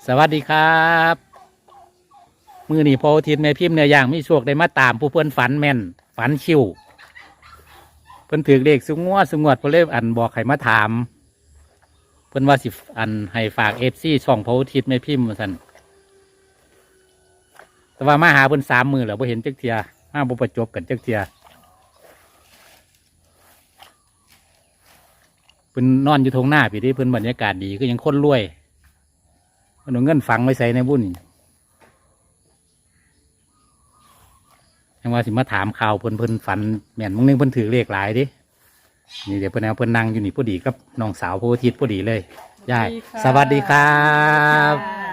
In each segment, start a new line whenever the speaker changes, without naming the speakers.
สวัสดีครับมือนี่พอทินแม่พิมพ์เนื้อย่างมีโชคได้มาตามผู้เพิ่นฝันแม่นฝันชิวเพิ่นถือเลขสุงวดเพิ่นเลยอันบอกให้มาถามเพิ่นว่าสิอันให้ฝากFCช่องพอทินแม่พิมพ์ว่าซั่นแต่ว่ามาหาเพิ่น3 มื้อแล้วบ่เห็นจักเที่ยมาบ่ประจบกันจักเที่ยเพิ่นนอนอยู่ทงหน้าพี่ที่เพิ่นบรรยากาศดีก็ยังคนรวยเพิ่นเอาเงินฝังไว้ใส่ในบุญยังว่าสิมาถามข่าวเพิ่นฝันแม่นมึงนึงเพิ่นถือเลขหลายดินี่เดี๋ยวเพิ่นเอาเพิ่นนั่งอยู่นี่พอดีกับน้องสาวโพธิ์ทิศพอดีเลยยายสวัสดีครับ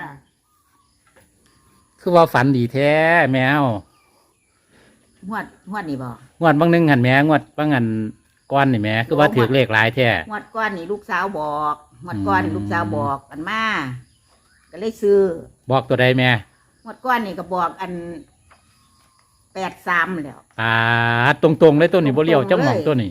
คือว่าฝันดีแท้แมว
งวดนี่บ่
งวดบางนึงหันแม่งวดบางหันก้อนนี่แม่คือว่าถือเลขหลายแท้
งวดก้อนนี่ลูกสาวบอกงวดก้อนนี่ลูกสาวบอกกันมาก็เลยซื้อ
บอกตัวใดแม่
งวดก้อนนี่ก็บอกอัน83แล้ว
ตรงๆเลยตัวนี้บ่เลี้ยวจังหม่องตัวนี้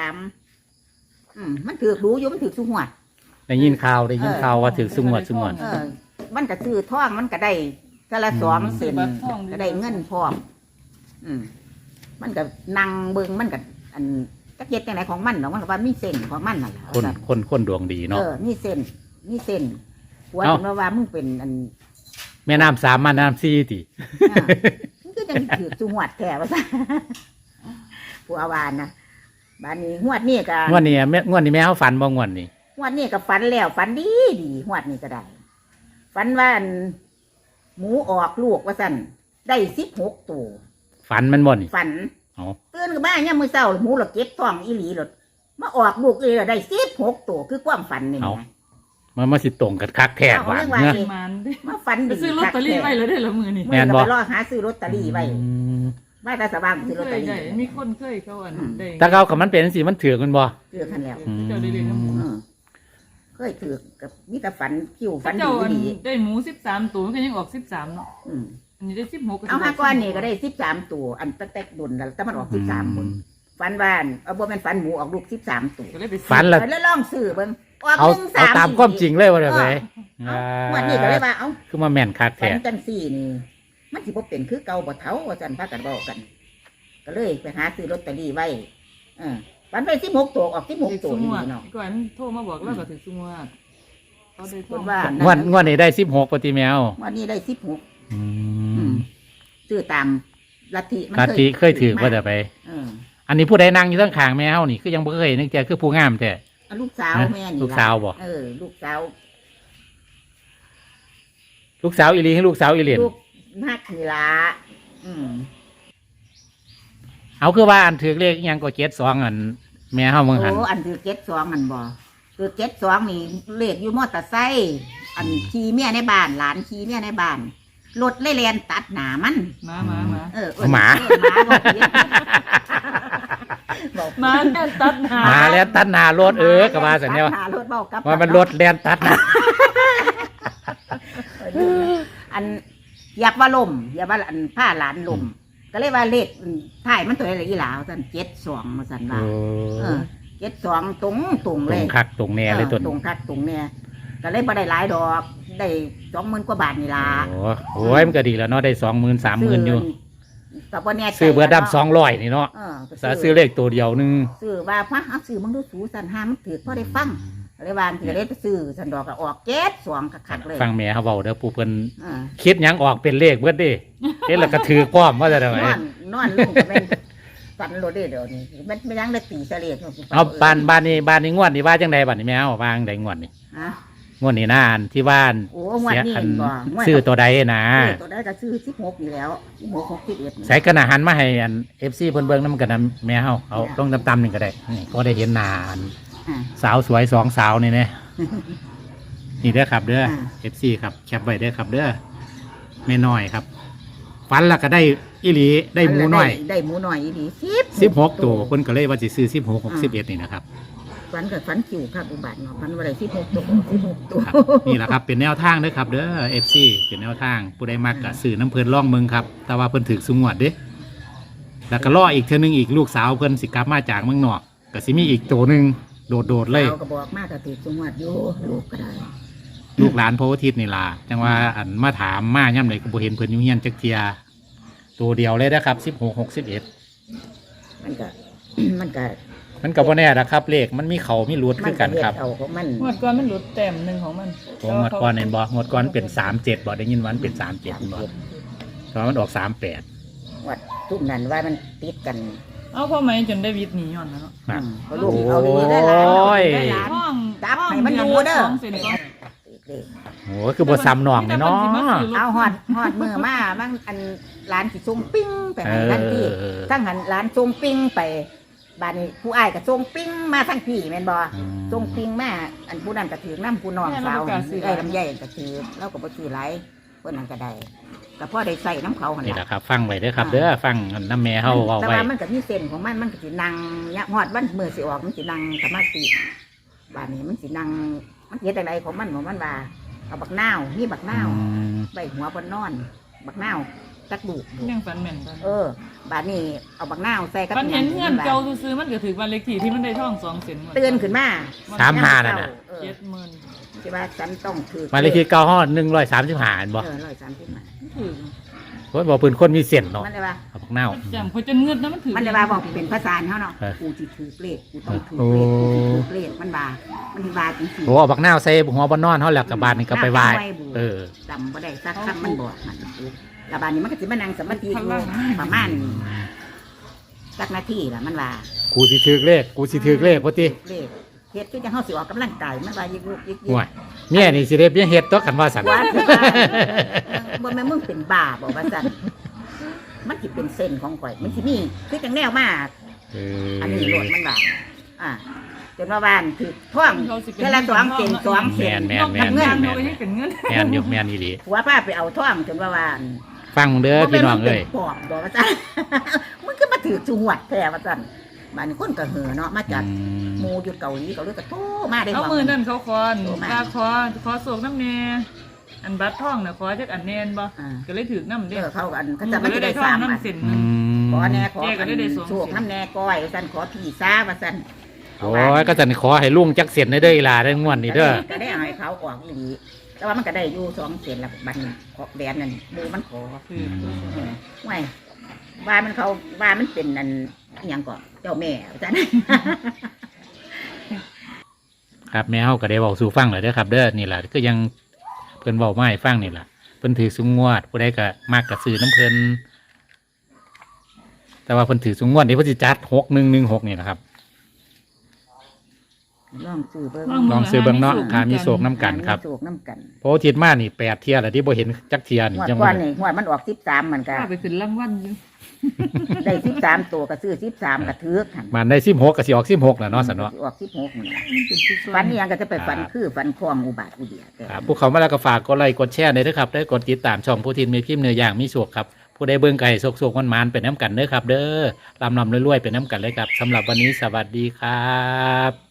มันถือรู้อยู่มันถือสุงวด
ได้ยินข่าวว่าถือสุงวด
มันก็ซื้อท่องมันก็ได้แต่ละ2 เส้นก็ได้เงินพร้อมมันก็นั่งเบิ่งมันก็อันจักเฮ็ดจังไดของมันเนาะมันก็ว่ามีเส้นของมันนั่นล่ะ
คนดวงดีเนาะ
มีเส้นหัวถึงว่ามึงเป็นอัน
แม่น้ำ3มาน้ำ4ติ
มันก็จังถือสุงวดแท้ว่าซั่นผู้อาวานนะบัดนี้งวดนี้ก็
งวดนี้แม่เฮาฝันบ่งวดนี้
งวดนี้ก็ฝันแล้วฝันดีงวดนี้ก็ได้ฝันว่าหมูออกลูกว่าซั่นได้16ตัว
ฝันมันบ่นี่
ฝันตื่นขึ้นมายามมื้อเช้าหมูหลดเก็บท้องอีหลีหลดมาออกลูกเลยได้16ตัวคือความฝันนี่นะ
มันมาสิตรงกันคักแท้หวานเนอะ
มาฝันดี
ซื้อลอตเตอรี่ไว้เลยได้ละมื้อนี่
แม่นบ่รอหาซื้อลอตเตอรี่ไว้มาแต่สว่างซื้อลอตเตอรี่
มีคนเคยเขาอันได้
ถ้าเขากับมันเป็นสิมันถือกันบ่
ถือกันแล้ว
เจ้าได้เรียนกับหมู
เคยถือกับมีแต่ฝันคิวฝัน
ดีได้หมู13ตัวมันก็ยังออก13เนาะอันนี้ได้16
เอา5ก้อนนี่ก็ได้13ตัวอันแต๊กๆดุนแล้วแต่มันออก13คนฝันว่าเอาบ่แม่นฝันหมูออกลูก13ตัว
ฝัน
แล้วลองซื้อเบิ่ง
เอาตามความจริงเลยว่าได้ไหม
วันนี้ก็เลยว่าเอา
คือมาแม่นคักแท้
ฝันจังซี่นี่มันสิบ่เป็นคือเก่าบ่เฒ่าว่าซั่นพากันเว้ากันก็เลยไปหาซื้อลอตเตอรี่ไว้ฝันไป16ตัวออก16ตัวนี่เนาะ
ก่อนโทรมาบอกแล้วก็ถึงซุงว่าเขาได้
คนว่าง
วดนี้ได้16ปฏิแมว
วันนี้ได้16ซื้อตามลัทธิ
เคยถือว่าจะไปอันนี้ผู้ใดนั่งอยู่ข้างแมวนี่คือยังบ่เคยนึกแกคือผู้งามแท้
ลูกสาวแม่นี่
ลูกสาวบ่
ลูกสาว
อีหลีให้ลูกสาวอีเหรียญ
ลูกนักนี่ล่ะ
เอาคือว่าอันถือเลขยังก็72อันแม่เฮาเมืองหัน
อันถือ72อันบ่คือ72นี่เลขอยู่มอเตอร์ไซค์อันขี่เมียในบ้านหลานขี่เมียในบ้านรถเลยแล่นตัดหน้ามัน
หมา
หมา
แล่นตัดหน้า
หมาแล่นตัดหน้ารถก็ว่าซั่นแนวว่ามันรถแล่นตัดหน้า
อันอยากว่าลมอยากว่าอันผ้าหลานลมก็เลยว่าเลขถ่ายมันตัวอะไรอีหลาวซั่น72มาซั่นว่า72ตรงเลย
ตรงคักตรงแน่เลย
ตรงคักตรงแน่ก็เลยบ่ได้หลายดอกได้20,000 กว่าบาทนี่ล่ะ
โอ้ยมันก็ดีแล้วเนาะได้ 20,000 30,000อยู่
ก็บ่แน่ใจ
ซื้อเบอร์ดำ200นี่เนาะซื้อเลขตัวเดียวนึง
ซื้อว่าพะเอาซื้อมึงดูสูซั่นหามันถือพอได้ฟังเลยวางสิได้ไปซื้อซั่นดอกก็ออก72คักๆเลย
ฟังแม่เฮาเว้าเด้อผู้เพิ่นคิดหยังออกเป็นเลขเบิดเด้เฮ็ดแล้วก็ถือพร้อมว่าจะได้
นอนลงก็เป็นฝันโลดเดี๋ยวนี้มันไม่ยังได้ตีเสลียด
เอาบ้านนี้งวดนี้ว่าจังได๋บัดนี้แม่เฮาวางได้งวดนี้งวดนี้น่าอันที่บ้าน
เสียอัน
ซื้อตัวใดนะ
ตัวใดก็ซื้อ16นี่แล้ว16 61
ใส่กระหน่ำหันมาให้อัน FC เพิ่นเบิ่งนำกันแม่เฮาเอาลงตำๆนี่ก็ได้นี่ก็ได้เห็นหน้าสาวสวย2สาวนี่แน่นี่เด้อครับเด้อ FC ครับแคปไว้เด้อครับเด้อแม่น้อยครับฝันแล้วก็ได้อีหลีได้หมูน้อย
อีหลี
16ตัวเพิ่นก็เลยว่าสิซื้อ16 61นี่นะครับ
ฝันกับฝันคิวครับอุบัติเนาะฝันว่าได้16ตัว
นี่แหละครับเป็นแนวทางเด้อครับเด้อ FC เป็นแนวทางผู้ใดมักก็ซื้อน้ำเพิ่นล่องเมืองครับแต่ว่าเพิ่นถึกสุงวดเด้แล้วก็รออีกเทื่อนึงอีกลูกสาวเพิ่นสิกลับมาจากเมืองนอกก็สิมีอีกตัวนึงโดดเลย
ก็บอกมากก็ติดสุงวดอยู่ลูกก็ได้
ลูกหลานพระอาทิตย์นี่ล่ะจังว่าอันมาถามมาย่ำเลยก็บ่เห็นเพิ่นอยู่เฮียนจักเทียตัวเดียวเลยนะครับ16 61
มันก็ มันก็
มันก็บ่แน่นะครับเลขมันมีเขามีรูดคือกันครับ
เฮ็ดเอาของมัน
งวดก่อนมันหลุดแต้มหนึ่งของมัน
โอ้งวดก่อนเห็นบ่งวดก่อนเป็น37บ่ได้ยินว่ามันเป็น37บ่ตอนมันออก38
วัดทุกนั้นว่ามันติดกัน
เอาพ่อไหมจนได้วิทย์หนีย้อนแล้วเนาะ
นะ
เขาลูกเอาดีได้หลาน
โอ้ย
ได้หลาน
ห้อง
จับให้มันดูเด้อ
สองเซนก็
เลข
โอ้คือบ่ซ้ำน้องเลยเนาะ
เอาหอดมือมาบางอันร้านสิส่งปิ้งไปให้ทันทีทั้งหันร้านส่งปิ้งไปบ้านนี้ผู้อ้ายก็ส่งปิ้งมาทั้งพี่แม่นบ่ส่งปิ้งมาอันผู้นั้นก็ถือน้ำผู้น้องสาวไอ้ลำไยก็ถือแล้วก็บ่ถือหลายเพิ่นนั้นก็ได้ก็พอได้ใส่น้ำเขาหั่น
นี่แห
ล่ะ
ละครับฟังไว้เด้อครับเด้อฟังน้ำแม่เฮาเว้า
แต่
ไว้
ว่ามันก็มีเส้นของมันก็สินั่งเนี่ยฮอดวันมื้อสิออกมันสินั่งสมาธิบ้านนี้มันสินั่งมันเฮ็ดจังไดของมันว่าเอาบักนาวมีบักนาว ใบหัวบนนอน บักนาวจักดูก
ยังฝันแม่นกัน
บาดนี้เอาบักนาวใส่กับ
ฝันเห็นเงื่อนเก่าซื้อๆมันก็ถือวันเล็กที่ที่มันได้ท่องสองเซน
เตือนขึ้นมา
35นั่นน่ะ
70,000
ใช่ว่าฉันต้องถือ
มาเลขที่9ฮอด135อันบ่
130มา
ถือ
เพิ่นบอกเพิ่นคนมีเส้นเนาะ
มันเลยว่า
เอาพวกเน่า
จำเขาจนเงือดนะมันถือ
มันเลยว่าบอกเป็นภาษาเขาเนาะ
เออ
กูจิถือเปรตกูต้องถือเปรตกูสิถือเปรตมันว่ามันที่ว่าจริง
โอ้เอาบักนาวใส่หัวบ่นอนเฮาแล้วกับบานนี่ก็ไปไหว้เออ
จำบ่ได้สักคำมันบอกมันแล้วบาดนี้มันก็สิมานั่งสมาธิอยู่ประมาณสักนาทีละมันว่า
กูสิถือเลขว่าติ
เลขเฮ็ดคือจังเฮาสิออกกำลังกายมันว่ายิกยิก
ห่วยเนี่ยนี่สิได้เบี้ยเฮ็ดตัวกันว่าซั่น
ว่าบ่แม่นมึงเป็นบ้าบ่ว่าซั่นมันสิเป็นเส้นของข่อยมันสิมีคือจังแนวมา
เอ
อันนี้โลดมันว่าจนว่าบ้านถือท่องเทอละ2เส้น2เส้น
แม่น
เงินเขาก็ยังเป็นเงิน
แม่นอยู่แม่นอีหลี
หัวพาไปเอาท่องจนว่าบ้าน
ฟังเด้อพี่น้องเอ้ย
ปอบบ่ว่าซั่นมึงก็มาถือจุงหวัดแท้ว่าซั่นบ้านนี้คนก็เห่อเนาะมาจากหมู่อยู่เกาหลีก็เลยก็โทรมาได้
เอา
ว่า
มือนั่นเขาคอนว่าขอโศกน้ำแน่อันบัตรท่องน่ะขอจักอันแน่นบ่ก็เลยถือน้ำเด้
เขากันเขาจะไม่ได้สาม
น้ำ
อัน
เส้น
ขอแน่ขอ
แกก็ได้สอง
โชคน้ำแน่ก้อยว่าซั่นขอพี่ซ่าว่าซั่น
โอ้ยก็จะขอให้ลุงจักเสียนได้เด้ออีหลาได้งวดนี้เด้อ
ก็ได้เอาให้เขาออกอีหลีแต่ว่ามันก็ได้อยู่2เส้นละบัดนี้ขอแดนนั่นดูมันขอ
ถือ
ไม่ว่ามันเขาว่ามันเป็นอันอหยังก่อนเจ้าแม่จัน
ครับแม่เฮาก็ได้เว้าสู่ฟังแล้วเด้อครับเด้อนี่ล่ะก็ยังเพิ่นเว้ามาให้ฟังนี่ล่ะเพิ่นถือสุงวดผู้ใดก็มักก็ซื้อน้ำเพิ่นแต่ว่าเพิ่นถือสุงวดนี่เพิ่นสิจัด6116นี่นะครับ
ลองซื้อเบิ่ง
ลองซื้อเบิ่งเนาะค่ะมีโศกน้ำกันครับ
มีโศกน้ำกัน
เพราะว่าอาทิตย์มานี่8เที่ยแล้วที่บ่เห็นจักเที่ยนี่
งวด
จัง
ก่อ
ว่าน
นี่งวดมันออก13มันก็
ข้าไปขึ้นรางวัลอยู่
ได้13ตัวก็ซื้อ13ก็ถือกัน
มันได้16ก็สิออก16แล้วเนาะสันเนาะ
ออก16นี่
มันเป็นผู้ช่วย
ฝันนี่ยังก็จะไปฝันคือฝันคลองอุบาทอุเดียแต่
ครับผู้เขามาแล้วก็ฝากกดไลค์กดแชร์ด้วยนะครับได้กดติดตามช่องผู้ทินมีพิมพ์เนื้อย่างมีโชคครับผู้ใดเบิ่งไก่โศกๆมันๆเป็นน้ำกันเด้อครับ เด้อลำๆรวยๆเป็นน้ำกันเลยครับสำหรับวันนี้สวัสดีครับ